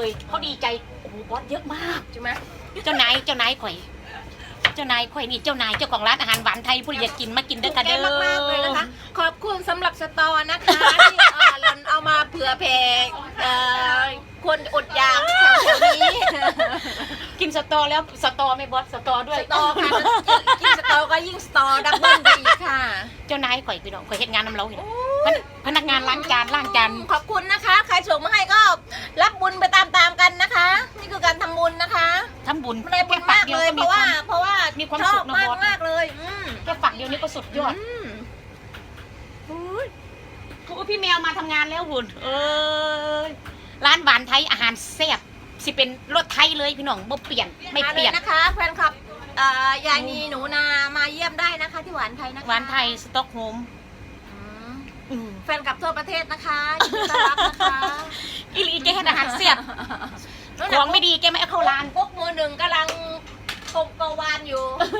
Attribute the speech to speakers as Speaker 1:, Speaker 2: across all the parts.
Speaker 1: เลยเขาดีใจโอ้โหบอสเยอะมาก
Speaker 2: ใช่ไหม
Speaker 1: เจ้านายข่อยนี่เจ้านายเจ้าของร้านอาหารหวานไทยผู้อยากกินมากินด้วยกัน
Speaker 2: แก
Speaker 1: เด้อ
Speaker 2: มากๆเลยนะคะ ขอบคุณสำหรับสตอนะคะที่เราเอามาเผื่อแผ่คนอดอยากแถวๆนี้
Speaker 1: กินสตอแล้วสตอไม่บอสสตอด้วย
Speaker 2: สตอค่ะกินสตอก็ยิ่งสตอดับเบิ้ลไปอีกค่ะ
Speaker 1: เจ้านายข่อยพี่น้องข่อยเฮ็ดงานนำเราอยู่พนักงานล้างจาน
Speaker 2: ขอบคุณนะคะ ใครส่งมาให้ก็รับบุญไปตามๆกันนะคะ นี่คือการทำบุญนะคะ
Speaker 1: ทำบุญ
Speaker 2: ได้บุญมากเลยเพราะว่า
Speaker 1: มีความ
Speaker 2: ชอ
Speaker 1: สุ
Speaker 2: บ
Speaker 1: ขนะ
Speaker 2: มาก
Speaker 1: บอส
Speaker 2: มากเลย
Speaker 1: แค่ฝักเดียวนี้ก็สุดยอดพี่แมวมาทำงานแล้วหุ่นร้านหวานไทยอาหารแซ่บสิเป็นรสไทยเลยพี่น้องบ่เปลี่ยนไม่เปลี่ยน
Speaker 2: นะคะแฟนคลับยายนีหนูนามาเยี่ยมได้นะคะที่หวานไทยนะคะ
Speaker 1: หวานไทยสต็อกโฮล์ม
Speaker 2: แฟนคลับทั่วประเทศนะคะยินดีต้อนรับนะคะ
Speaker 1: อีหลีแกเฮ็ดอาหารแซ่บของไม่ดีแกไม่เอาเข้าร้าน
Speaker 2: พวกมือหนึ่งกำลังกวานอยู่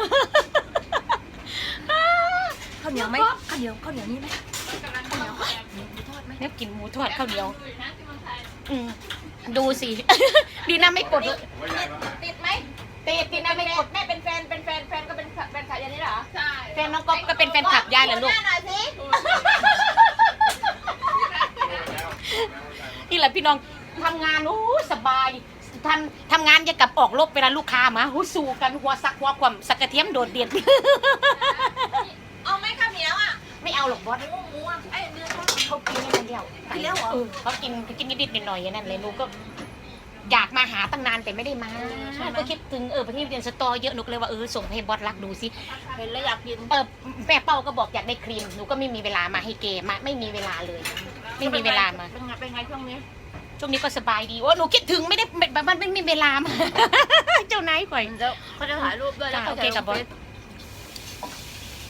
Speaker 2: ข้าวเหนียวไหมข้าวเหนียวนี่ไหมข้าวเหนียวหมูทอดไหม
Speaker 1: เนี่ยกินหมูทอดข้าวเหนียวดูสิ ดีนะไม่กดเลย
Speaker 2: ติดไหม
Speaker 1: ติดนะไม่กด
Speaker 2: แม่เป็นแฟนก็เป็นแฟนขายอย่างนี้เหรอใช่
Speaker 1: แฟนน้องก๊อฟก็เป็นแฟนคลับยายเหรอลูก
Speaker 2: หน่อยสิ
Speaker 1: นี่แหละพี่น้องทำงานโอ้สบายทำงานอย่ากับออกรบเวลาลูกค้ามาหูสู้กันหัวซักหัวความสักกระเทียมโดดเด่น
Speaker 2: เอาไหมข้าวเหนียวอ่ะ
Speaker 1: ไม่เอาหรอกบอส
Speaker 2: หมูอ่ะเนื้อทอด
Speaker 1: เขากินไม่ทันเดียว
Speaker 2: กินแล้วเหรอ
Speaker 1: เขากินนิดๆหน่อยๆอย่างนั้นเลยหนูก็อยากมาหาตั้งนานแต่ไม่ได้มาก็คิดถึงประเทศเรียนสตอเยอะหนูก็เลยว่าส่งให้บอสรักดูสิ
Speaker 2: เห็นแล้วอยากกิน
Speaker 1: แม่เป้าก็บอกอยากได้ครีมหนูก็ไม่มีเวลามาให้เกมาไม่มีเวลาเลย ไม่มีเวลามา
Speaker 2: เป็นไงช่วงนี้
Speaker 1: ช่วงนี้ก็สบายดีว่าหนูคิดถึงไม่ได้มันไม่มีเวลามา เจ้านายข่อย
Speaker 2: เดี๋ยวเขาจะถ่ายรูปด้วยแล้ว
Speaker 1: โอเคกับบอส